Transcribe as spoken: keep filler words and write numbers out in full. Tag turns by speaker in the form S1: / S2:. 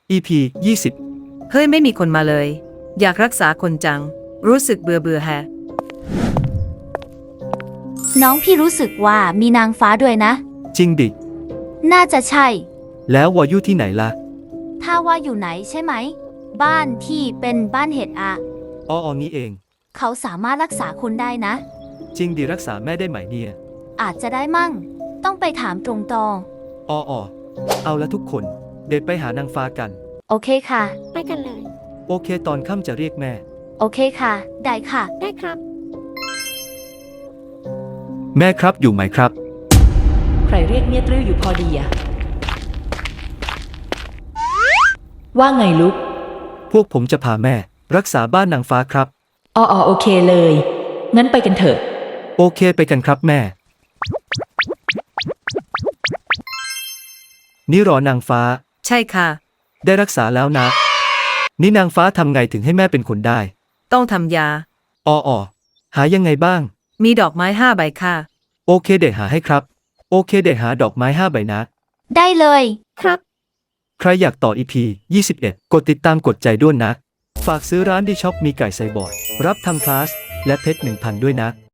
S1: อี พี ยี่สิบ
S2: เฮ้ยไม่มีคนมาเลย อยากรักษาคนจัง รู้สึกเบื่อเบื่อแฮะ
S3: น้องพี่รู้สึกว่ามีนางฟ้าด้วยนะ
S1: จริงดิ
S3: น่าจะใช่
S1: แล้ววายุที่ไหนล่ะ
S3: ถ้าว่าอยู่ไหนใช่ไหม บ้านที่เป็นบ้านเห็ดอะ
S1: อ๋ออนี้เอง
S3: เขาสามารถรักษาคุณได้นะ
S1: จริงดิรักษาแม่ได้ไหมเนี่ย
S3: อาจจะได้มั่ง ต้องไปถามตรงตอง
S1: อ๋ออเอาละทุกคน เด็ดไปหานางฟ้ากัน
S3: โอเคค่ะ
S4: ไปกันเลย
S1: โอเคตอนค่ำจะเรียกแม่
S3: โอเคค่ะ ได้ค่ะ
S4: ได้ครับ
S1: แม่ครับอยู่ไหมครับ
S5: ใครเรียกเมียตริ้วอยู่พอดีอะว่าไงลูก
S1: พวกผมจะพาแม่ รักษาบ้านนางฟ้าครับ
S5: อ๋ออโอเคเลย งั้นไปกันเถอะ
S1: โอเคไปกันครับแม่ นี่รอนางฟ้า
S2: ใช่ค่ะ
S1: ได้รักษาแล้วนะ นี่นางฟ้าทำไงถึงให้แม่เป็นคนได้
S2: ต้องทำยา
S1: อ๋ออหายังไงบ้าง
S2: มีดอกไม้ห้าใบค่ะ
S1: โอเคเด็กหาให้ครับ โอเคเด็กหาดอกไม้ห้าใบนะ
S3: ได้เลย
S4: ครับ
S1: ใครอยากต่อ อี พี ยี่สิบเอ็ด กดติดตามกดใจด้วยนะ ฝากซื้อร้านดีช็อปมีไก่ไซบอร์ดรับทำคลาส และเพชรหนึ่งพันด้วยนะ